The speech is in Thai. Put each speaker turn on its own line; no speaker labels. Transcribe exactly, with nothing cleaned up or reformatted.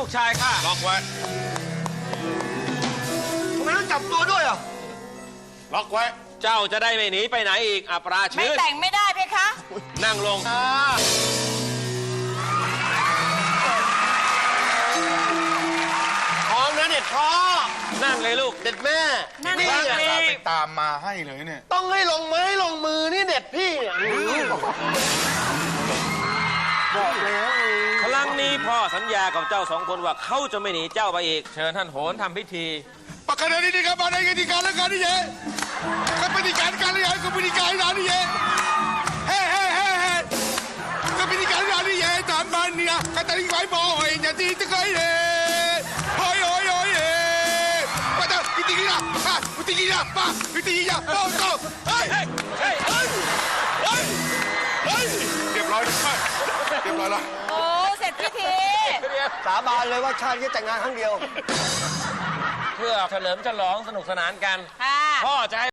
กชายข้า
ล็อกไว้
ทำไมต้องจับตัวด้วยอ่ะ
ล็อกไว้
เจ้าจะได้ไม่หนีไปไหนอีกอัปรา
ไม่
ชื่น
แต่งไม่ได้เพคะ
นั่งลง
ท้องนะเด็ดพ่อ
นั่งเลยลูก
เด็ดแม่
นั่ง
นี่
เลย
อ่ะ
ไปตามมาให้เลยเนี่ย
ต้องให้ลงไม้ลงมือนี่เด็ดพี่เนี่ยบอกแล้ว
ครั้งนี้พ่อสัญญากับเจ้าสองคนว่าเขาจะไม่หนีเจ้าไปอีก เชิญท่านโหนทำพิธี
Pakaian ini kan mana yang dikalah kan dia? Kepentingan kalian, kepentingan dia. Hei, hei, hei, hei. Kepentingan dia, tuan mania. Kata ni kau boy, jadi terkait. Hoi, hoi, hoi. Pada, itu dia. Ha, itu dia. Pa, itu dia. Oh, oh. Hei, hei, hei. Hei, hei. Dia pelajari. Dia pelajari.
โอ้เสร็จพิธี
สาบานเลยว่าชาตินี้แต่งงานครั้งเดียว
เพื่อเฉลิมฉลองสนุกสนานกัน
ค่ะ
พ่อจะให้